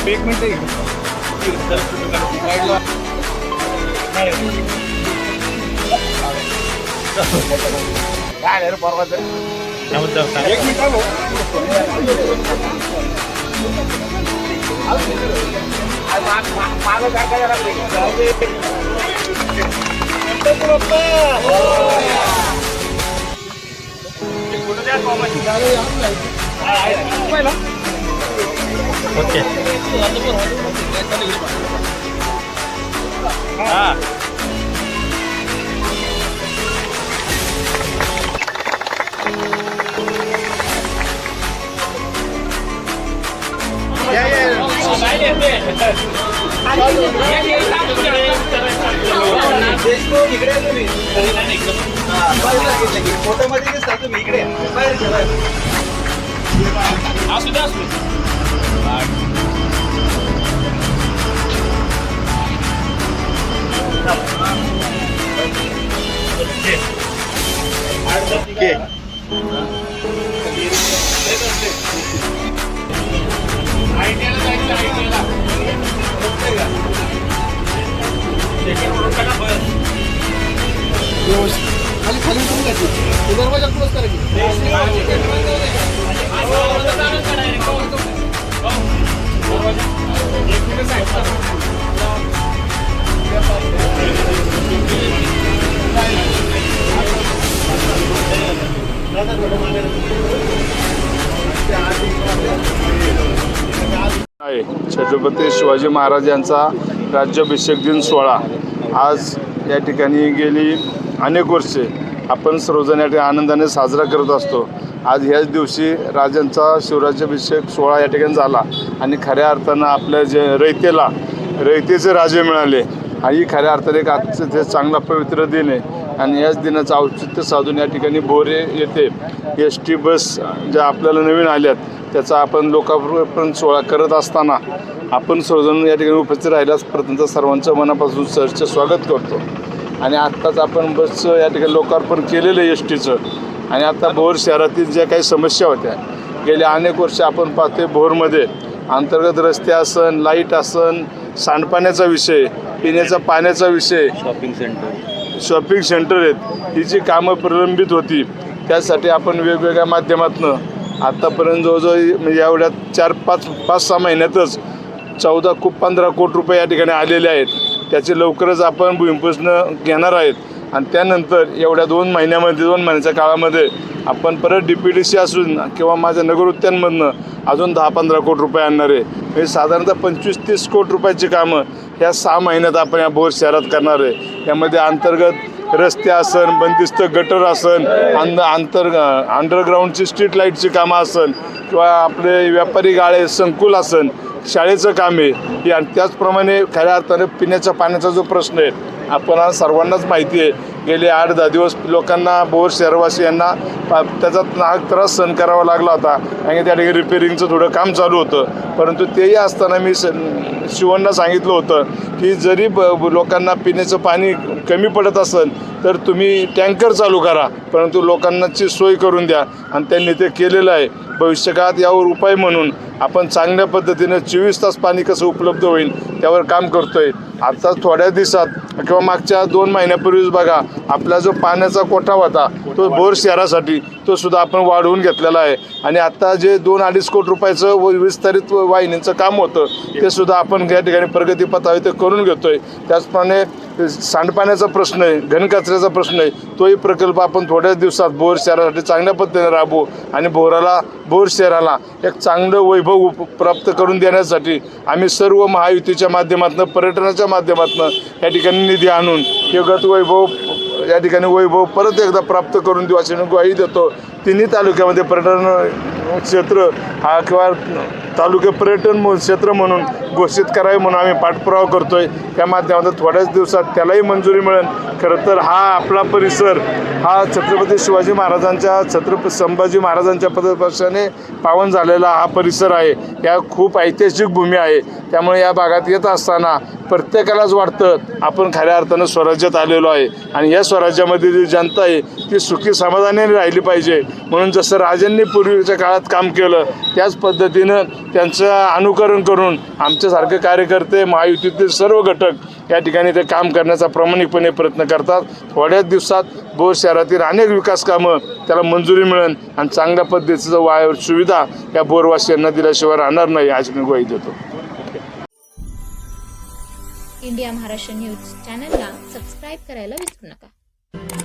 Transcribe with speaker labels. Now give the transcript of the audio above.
Speaker 1: एक मिनिट काय परवा एक मिनिट ओके फोटोमध्ये दिसता तुम्ही इकडे असू द्या खाली खाली दरवाजा क्लोज करा
Speaker 2: छत्रपती शिवाजी महाराज यांचा राज्याभिषेक दिन सोहळा आज या ठिकाणी गेली अनेक वर्षे आपण सर्वजण या ठिकाणी आनंदाने साजरा करत असतो। आज ह्याच दिवशी राजांचा शिवराज्याभिषेक सोहळा या ठिकाणी झाला आणि खऱ्या अर्थानं आपल्या जे रयतेचे राजे मिळाले आणि खऱ्या अर्थाने एक आजचं ते चांगला पवित्र दिन आहे आणि याच दिनाचं औचित्य साधून या ठिकाणी बोरे येथे ST बस ज्या आपल्याला नवीन आल्यात त्याचा आपण लोकार्पण सोहळा करत असताना आपण सर्वजण या ठिकाणी उपस्थित राहिल्यास प्रथमतः सर्वांचं मनापासून सहर्ष स्वागत करतो। आणि आत्ताच आपण बसचं या ठिकाणी लोकार्पण केलेलं आहे STचं आणि आता भोर शहरातील ज्या काही समस्या होत्या गेल्या अनेक वर्ष आपण पाहतोय भोरमध्ये अंतर्गत रस्ते असन, लाईट असन, सांडपाण्याचा विषय, पिण्याचा पाण्याचा विषय, शॉपिंग सेंटर आहेत, ही जी कामं प्रलंबित होती त्यासाठी आपण वेगवेगळ्या माध्यमातून आत्तापर्यंत जवळजवळ म्हणजे एवढ्या 5-6 महिन्यातच 15 कोटी रुपये या ठिकाणी आलेले आहेत। त्याचे लवकरच आपण भूमिपूजन घेणार आहेत आणि त्यानंतर एवढ्या 2 महिन्याच्या काळामध्ये आपण परत DPDC असून किंवा माझ्या नगर उद्यानमधनं अजून 10-15 कोटी रुपये आणणार आहे। म्हणजे साधारणतः 25-30 कोटी रुपयाची कामं ह्या 6 महिन्यात आपण या भोर शहरात करणार आहे। यामध्ये अंतर्गत रस्ते असन, बंदिस्त गटर असन, अंडरग्राऊंडची स्ट्रीट लाईटची कामं असन किंवा आपले व्यापारी गाळे संकुल असन, शाळेचं काम आहे आणि त्याचप्रमाणे खऱ्या अर्थाने पिण्याच्या पाण्याचा जो प्रश्न आहे आपण आज सर्वांनाच माहिती आहे गेले 8-10 दिवस लोकांना भोर शहरवासियांना त्याचा नाहक त्रास सहन करावा लागला होता आणि त्या ठिकाणी रिपेरिंगचं थोडं काम चालू होतं। परंतु तेही असताना मी शिवण्णा सांगितलं होतं की जरी लोकांना पिण्याचं पाणी कमी पडत असेल तर तुम्ही टँकर चालू करा परंतु लोकांनाची सोय करून द्या आणि त्यांनी ते केलेलं आहे। भविष्यकाळात यावर उपाय म्हणून आपण चांगल्या पद्धतीनं 24 तास पाणी कसं उपलब्ध होईल त्यावर काम करतोय। आता थोड्या दिवसात किंवा मागच्या 2 महिन्यापूर्वीच बघा आपला जो पाण्याचा कोठा होता तो भोर शहरासाठी तो सुद्धा आपण वाढवून घेतलेला आहे आणि आता जे 2-2.5 कोटी रुपयाचं विस्तारित वाहिनीचं काम होतं ते सुद्धा आपण या ठिकाणी प्रगतीपथावर ते करून घेतोय। त्याचप्रमाणे सांडपाण्याचा प्रश्न आहे, घनकचऱ्याचा प्रश्न आहे, तोही प्रकल्प आपण थोड्याच दिवसात भोर शहरासाठी चांगल्या पद्धतीने राबवू आणि भोर शहराला एक चांगलं वैभव प्राप्त करून देण्यासाठी आम्ही सर्व महायुतीच्या माध्यमातून पर्यटनाच्या माध्यमातून या ठिकाणी निधी आणून हे वैभव या ठिकाणी वैभव परत एकदा प्राप्त करून देऊ अशी ग्वाही देतो। तिन्ही तालुक्यामध्ये पर्यटन क्षेत्र हा किंवा तालुके पर्यटन क्षेत्र म्हणून घोषित करावे म्हणून आम्ही पाठपुरावा करतोय। त्या माध्यमातून थोड्याच दिवसात त्यालाही मंजुरी मिळेल। खरं तर हा आपला परिसर हा छत्रपती शिवाजी महाराजांच्या छत्रपती संभाजी महाराजांच्या पदस्पर्शाने पावन झालेला हा परिसर आहे। या खूप ऐतिहासिक भूमी आहे त्यामुळे या भागात येत असताना प्रत्येकालाच वाटतं आपण खऱ्या अर्थानं स्वराज्यात आलेलो आहे आणि या स्वराज्यामध्ये जी जनता आहे ती सुखी समाधानाने राहिली पाहिजे। म्हणून जसं राजांनी पूर्वीच्या काळात काम केलं त्याच पद्धतीनं त्यांचं अनुकरण करून आमच्यासारखे कार्यकर्ते महायुतीतील सर्व घटक या ठिकाणी ते काम करण्याचा प्रामाणिकपणे प्रयत्न करतात. थोड्याच दिवसात भोर शहरातील अनेक विकास कामं त्याला मंजुरी मिळेल आणि चांगल्या पद्धतीचं सुविधा या बोरवासियांना दिल्याशिवाय राहणार नाही अशी मी ग्वाही देतो.
Speaker 3: इंडिया महाराष्ट्र न्यूज चॅनलला सबस्क्राईब करायला विसरू नका.